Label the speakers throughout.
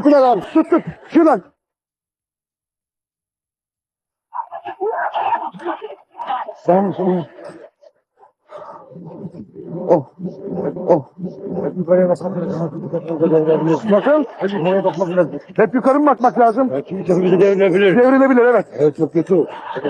Speaker 1: Tuttular abi. Tut. Şuradan. Tamam. Oh. Yukarıya bakmak lazım. Nasıl? Yukarıya bakmak lazım. Hep yukarı mı bakmak lazım? Evet, çünkü bizi devrilebilir. Devrilebilir, evet. Evet, çok kötü.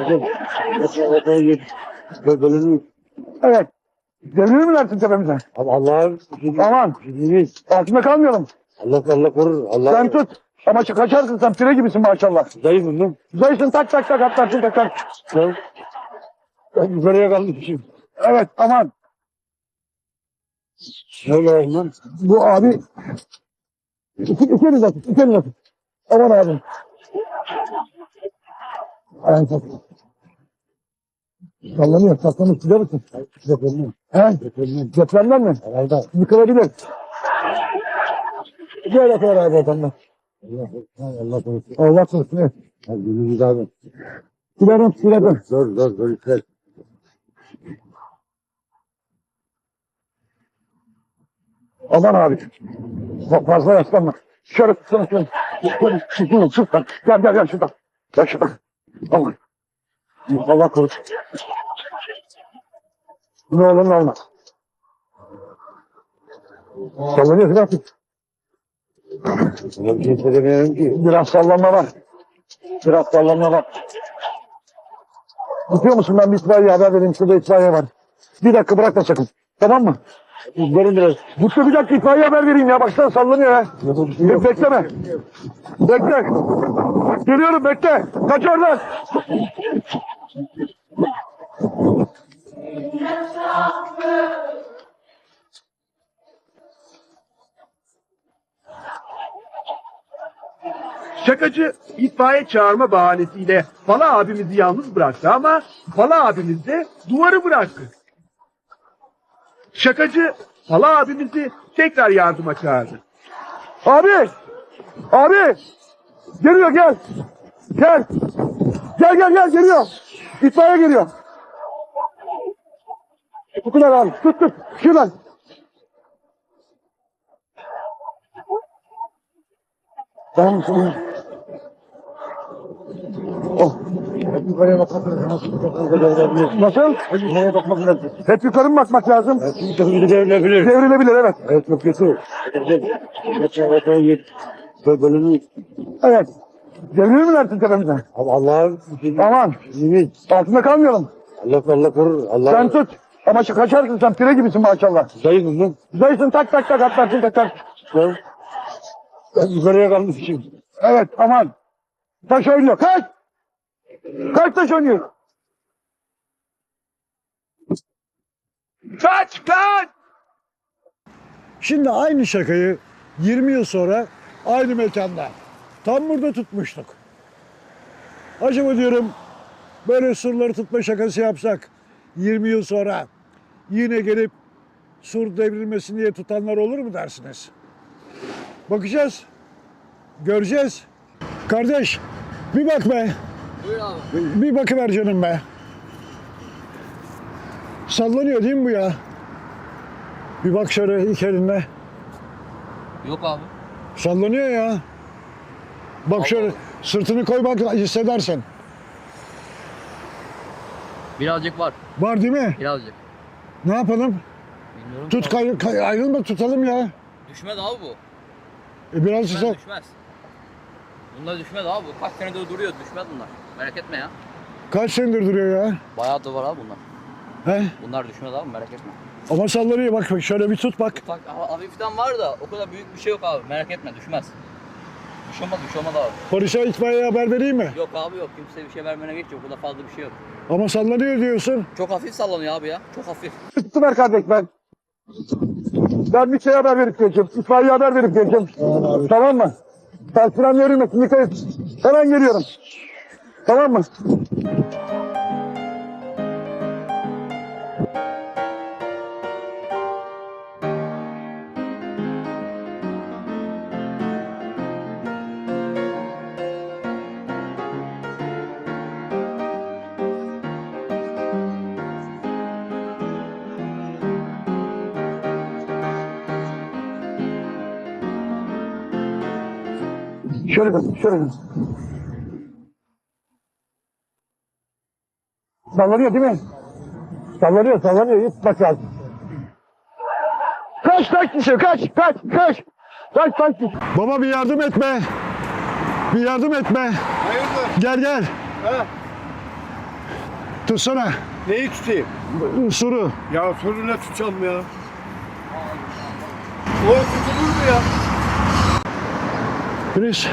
Speaker 1: Evet. Devrilir mi dersin tepemize?
Speaker 2: Allah'ım.
Speaker 1: Aman. Altında kalmayalım.
Speaker 2: Allah korur. Allah.
Speaker 1: Sen tut. Ama kaçarsın, sen pire gibisin maşallah.
Speaker 2: Zayıfım lan.
Speaker 1: Zayıfsın, tak atlarsın tak.
Speaker 2: Ben yukarıya kalmışım.
Speaker 1: Evet, aman.
Speaker 2: Şöyle lan.
Speaker 1: Bu abi İkiniz atın. Aman abi. Ayağını tak. Sallanıyor. Gider misin?
Speaker 2: Depremden.
Speaker 1: He? Depremden mi?
Speaker 2: Herhalde.
Speaker 1: Yıkılabilir. Gel yapıyor abi adamlar.
Speaker 2: Allah korusun.
Speaker 1: Allah korusun. Evet.
Speaker 2: Hadi günümüz abi.
Speaker 1: Silerim.
Speaker 2: Zor işler.
Speaker 1: Aman abi. Fazla yaslanma. Şöyle tutsana şöyle. Şuradan. Gel şuradan. Gel şuradan. Aman. Allah korusun. Ne olur ne olmaz. Sallanıyor biraz.
Speaker 2: Sana bir şey söylemiyorum ki.
Speaker 1: Biraz sallanma var. Tutuyor musun? Ben bir itfaiye haber vereyim. Şurada itfaiye var. Bir dakika bırakma sakın. Tamam mı?
Speaker 2: Verin biraz.
Speaker 1: Mutlu bir dakika itfaiye haber vereyim ya. Baksana sallanıyor ya. Bekleme. Bekle. Geliyorum bekle. Kaç oradan.
Speaker 3: Şakacı itfaiye çağırma bahanesiyle Pala abimizi yalnız bıraktı ama Pala abimiz de duvarı bıraktı. Şakacı Pala abimizi tekrar yardıma çağırdı.
Speaker 1: Abi. Geliyor gel. Gel geliyor. İtfaiye geliyor. Tuttular abi. Tut. Şuradan. Tamam. Oh.
Speaker 2: Yukarıya bakmak lazım.
Speaker 1: Nasıl?
Speaker 2: Yukarıya bakmak lazım.
Speaker 1: Hep yukarı mı bakmak lazım?
Speaker 2: Evet, çünkü bizi devrilebilir.
Speaker 1: Devrilebilir, evet.
Speaker 2: Evet, çok kötü.
Speaker 1: Evet. Devrilir mi dersin tepemize?
Speaker 2: Allah'ım.
Speaker 1: Aman. Altında kalmayalım.
Speaker 2: Allah korur. Allah.
Speaker 1: Sen tut. Ama kaçarsın, sen pire gibisin maşallah.
Speaker 2: Zayıfım lan.
Speaker 1: Zayıfsın, tak atlarsın tak.
Speaker 2: Ben yukarıya kalmışım.
Speaker 1: Evet, aman. Taş oynuyor. Kaç taş oynuyor.
Speaker 3: Kaç!
Speaker 4: Şimdi aynı şakayı 20 yıl sonra aynı mekanda tam burada tutmuştuk. Acaba diyorum böyle surları tutma şakası yapsak 20 yıl sonra yine gelip sur devrilmesin diye tutanlar olur mu dersiniz? Bakacağız. Göreceğiz. Kardeş bir bak be.
Speaker 5: Buyur abi.
Speaker 4: Bir bakıver canım be. Sallanıyor değil mi bu ya? Bir bak şöyle iki elinle.
Speaker 5: Yok abi.
Speaker 4: Sallanıyor ya. Bak şöyle sırtını koy bak hissedersin.
Speaker 5: Birazcık var.
Speaker 4: Var değil mi?
Speaker 5: Birazcık.
Speaker 4: Ne yapalım?
Speaker 5: Bilmiyorum.
Speaker 4: Tut
Speaker 5: ki abi.
Speaker 4: ayrılma tutalım ya.
Speaker 5: Düşmez abi bu.
Speaker 4: Biraz
Speaker 5: Düşmez. Bunlar düşmez abi. Kaç senedir duruyor. Düşmez bunlar. Merak etme ya.
Speaker 4: kaç senedir duruyor ya?
Speaker 5: Bayağı da var abi bunlar.
Speaker 4: He?
Speaker 5: Bunlar düşmez abi, merak etme.
Speaker 4: Ama sallanıyor bak şöyle bir tut bak.
Speaker 5: Ufak hafiften var da o kadar büyük bir şey yok abi. Merak etme, düşmez. Bir şey olmaz abi.
Speaker 4: Polise itfaiyeye haber vereyim mi?
Speaker 5: Yok abi yok. Kimseye bir şey vermene gerek yok. Burada fazla bir şey yok.
Speaker 4: Ama sallanıyor diyorsun.
Speaker 5: Çok hafif sallanıyor abi ya. Çok hafif.
Speaker 1: Tuttular kardeş ben. Ben bir haber verip geleceğim. İtfaiye haber verip geleceğim. Tamam mı? Ben fren yürümesin. Dikkat et. Hemen geliyorum. Tamam mı? Şöyle, şöyle. Sallanıyor değil mi? Sallanıyor, sallanıyor. Hiç bak lazım. Kaç kişi, kaç. Kaç kişi.
Speaker 4: Baba bir yardım etme. Bir yardım etme.
Speaker 2: Hayırdır?
Speaker 4: Gel.
Speaker 2: Ha?
Speaker 4: Tutsana.
Speaker 2: Neyi tutayım?
Speaker 4: Suru.
Speaker 2: Ya sonu ne tutacağım ya? O tutulur mu ya?
Speaker 4: Yunus.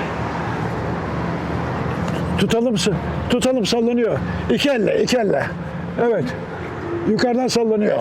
Speaker 4: Tutalım sallanıyor. İki elle. Evet. Yukarıdan sallanıyor.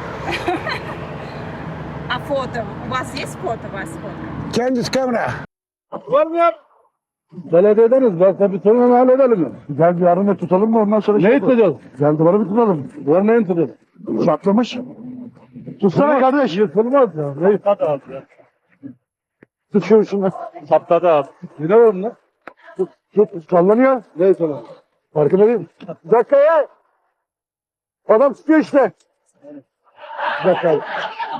Speaker 6: A foto. Vocês foto.
Speaker 4: Kendi kamera.
Speaker 2: Var mı ya? Belediye ederiz. Ben tabii sorunu halledelim mi?
Speaker 1: Gel bir yarın tutalım mı ondan sonra
Speaker 2: Ne tutacağız?
Speaker 1: Gel duvarı bir tutalım.
Speaker 2: Var ne tutacağız?
Speaker 1: Çatlamış. Tutsana kardeş.
Speaker 2: Yırtılmaz ya. Ne yırtıldı abi ya?
Speaker 1: Tut şunu.
Speaker 2: Saptadı abi. Ne var bunda?
Speaker 1: Tut. Sallanıyor.
Speaker 2: Ne sana?
Speaker 1: Farkında değil. Bir dakika ya. Adam tutuyor işte. Bir dakika abi.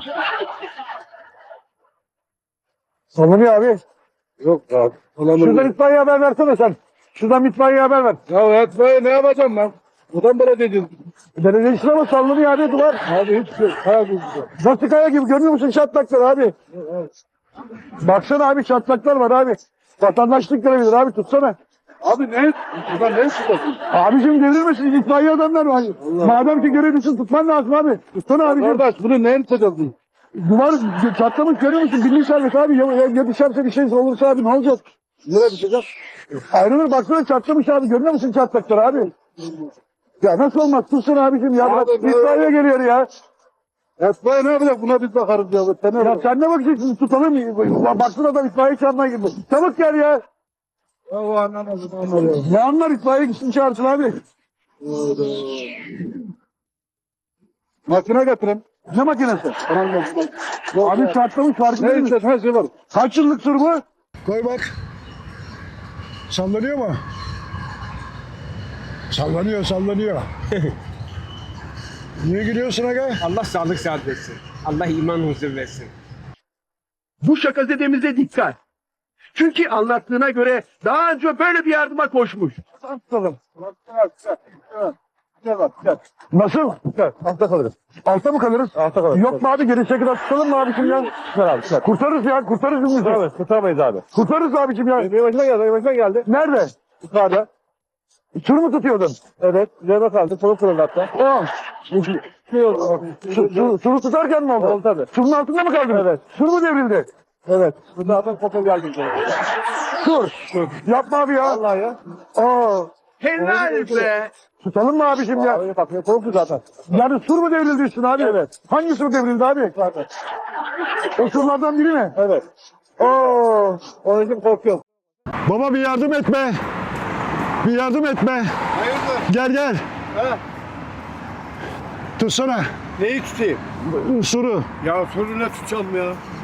Speaker 1: Sallanıyor abi.
Speaker 2: Yok abi.
Speaker 1: Şuradan itfaiye haber versene sen. Şuradan itfaiye haber ver.
Speaker 2: Ya etmeyi ne yapacağım ben? Buradan böyle dedin.
Speaker 1: Belediye işine ama sallanıyor abi duvar.
Speaker 2: Abi hiç şey. Kaya gibi.
Speaker 1: Nasıl kaya gibi görmüyor musun çatlaklar abi? Baksana abi çatlaklar var abi. Vatandaşlık görebilir abi tutsana.
Speaker 2: Abi ne? Buradan ne tutasın?
Speaker 1: Abicim devrilmesin itfaiye adamlar var. Madem ki görevlisin tutman lazım abi. Tutsana abicim.
Speaker 2: Kardeş bunu neyin tutacağız?
Speaker 1: Duvar çatlamış görüyor musun? Birliği servet abi. Ya düşerse bir şey olursa abi ne olacak?
Speaker 2: Nereye düşeceğiz?
Speaker 1: Ayrılır baksana çatlamış abi. Görüyor musun çatlakları abi? Ya nasıl olmaz? Tutsun abicim ya.
Speaker 2: Abi,
Speaker 1: İtfaiye geliyor ya.
Speaker 2: Etmeyi ne yapacak? Buna biz bakarız ya. Sen ne
Speaker 1: Ya
Speaker 2: yapacaksın?
Speaker 1: sen ne bakacaksın? Tutalım. Baksın adam itfaiye çağırmaya gibi. Çabuk gel ya.
Speaker 2: Ya o anlamazdı. Anlamazdı.
Speaker 1: Ne anlar itfaiye gitsin çağırsın abi.
Speaker 2: Makine getirin.
Speaker 1: Ne makinesi? Abi çatlamış farkında
Speaker 2: Ne
Speaker 1: değil mi?
Speaker 2: istersen her şey var.
Speaker 1: Kaç yıllık sur bu?
Speaker 4: Koy bak. Sallanıyor mu? Sallanıyor. Niye gülüyorsun aga?
Speaker 7: Allah sağlık saat versin. Allah iman huzur versin.
Speaker 3: Bu şakazedemize dikkat. Çünkü anlattığına göre daha önce böyle bir yardıma koşmuş.
Speaker 1: Tutalım. Nasıl? Altta kalırız. Altta mı kalırız? Altta kalırız. Yok mu abi gelişe kadar tutalım mı abicim ya? Kurtarırız ya kurtarırız biz. Abi kurtaramayız abi. Kurtarırız abicim ya. Benim başıma geldi. Nerede? Yukarıda. Sur mu tutuyordun? Evet. Üzerine kaldı. Solu kırıldı hatta. O. Suru tutarken mi oldu? Oldu tabii. Surun altında mı kaldın? Evet. Sur mu devrildi? Evet. Burada adam kopya geldim. Sur. Yapma abi ya. Allah ya. Aa.
Speaker 3: Helal be.
Speaker 1: Tutalım mı abicim ya?
Speaker 2: Öyle bakıyor. Korktu zaten.
Speaker 1: Yani sur mu devrildi üstüne abi? Evet. Hangi sur devrildi abi? Zaten. O surlardan biri mi?
Speaker 2: Evet.
Speaker 1: Oo.
Speaker 2: Onun için korkuyorum.
Speaker 4: Baba bir yardım etme.
Speaker 2: Hayırdır?
Speaker 4: Gel.
Speaker 2: Ha?
Speaker 4: Tutsana.
Speaker 2: Neyi tutayım?
Speaker 4: Suru.
Speaker 2: Ya sonu ne tutacağım ya?